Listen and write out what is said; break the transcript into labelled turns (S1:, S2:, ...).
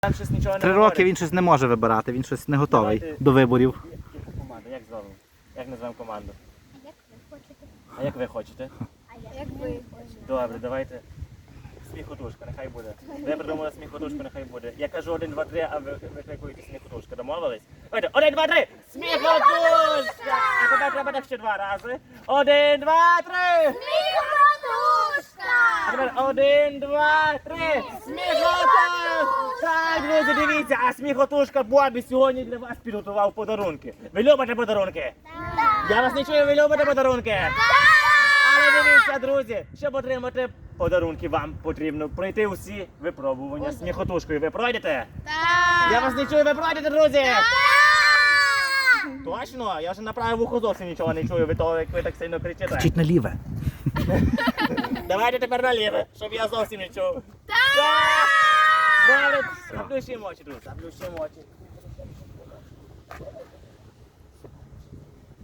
S1: Там щось нічого не
S2: 3
S1: говорить.
S2: роки він щось не може вибирати, він щось не готовий
S1: Давайте.
S2: до виборів.
S1: Яку команду? Як зробимо? Як назвемо команду?
S3: Як ви хочете?
S1: А як ви хочете?
S3: А як ви хочете?
S1: Добре, давайте. Сміхотушка, нехай буде. Ви придумали сміхотушку, нехай буде. Я кажу 1, 2, 3, а ви викликуєте сміхотушка. Домовились? Давайте, 1, 2, 3! Сміхотушка! А тепер треба так ще 2 рази. 1, 2, 3!
S3: Сміхотушка!
S1: А тепер 1, 2, 3! Сміхотушка! Так, друзі, дивіться, а сміхотушка Бобі сьогодні для вас підготував подарунки. Ви любите подарунки? Я вас не чую, ви любите подарунки? Але дивіться, друзі, щоб отримати подарунки, вам потрібно пройти усі випробування сміхотушкою. Ви пройдете?
S3: Так!
S1: Я вас не чую, ви пройдете, друзі? Точно? Я вже на праве вухо зовсім нічого не чую, як ви так сильно кричите.
S2: Вчить на ліве.
S1: Давайте тепер наліве, щоб я зовсім не чув. Так! Добре, заплющуємо очі, друзі, заплющуємо очі.